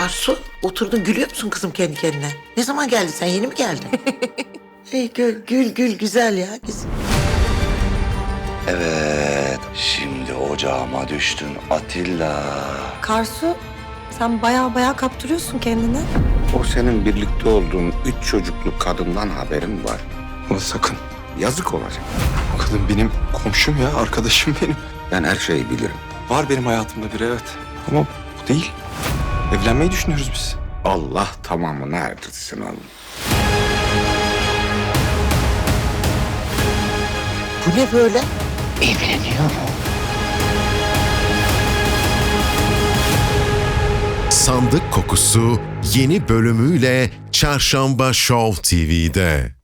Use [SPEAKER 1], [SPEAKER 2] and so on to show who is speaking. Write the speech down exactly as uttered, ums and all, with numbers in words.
[SPEAKER 1] Karsu, oturdun gülüyor musun kızım kendi kendine? Ne zaman geldin sen? Yeni mi geldin? Hey, gül, gül, gül güzel ya. Güzel.
[SPEAKER 2] Evet, şimdi ocağıma düştün Atilla.
[SPEAKER 3] Karsu, sen baya baya kaptırıyorsun kendini.
[SPEAKER 4] O senin birlikte olduğun üç çocuklu kadından haberin var.
[SPEAKER 5] Ama sakın.
[SPEAKER 4] Yazık olacak.
[SPEAKER 5] O kadın benim komşum ya, arkadaşım benim.
[SPEAKER 4] Ben her şeyi bilirim.
[SPEAKER 5] Var benim hayatımda biri, evet. Ama bu değil. Evlenmeyi düşünüyoruz biz.
[SPEAKER 4] Allah tamamını erdirsin oğlum.
[SPEAKER 1] Bu ne böyle?
[SPEAKER 6] Sandık Kokusu yeni bölümüyle Çarşamba Show T V'de.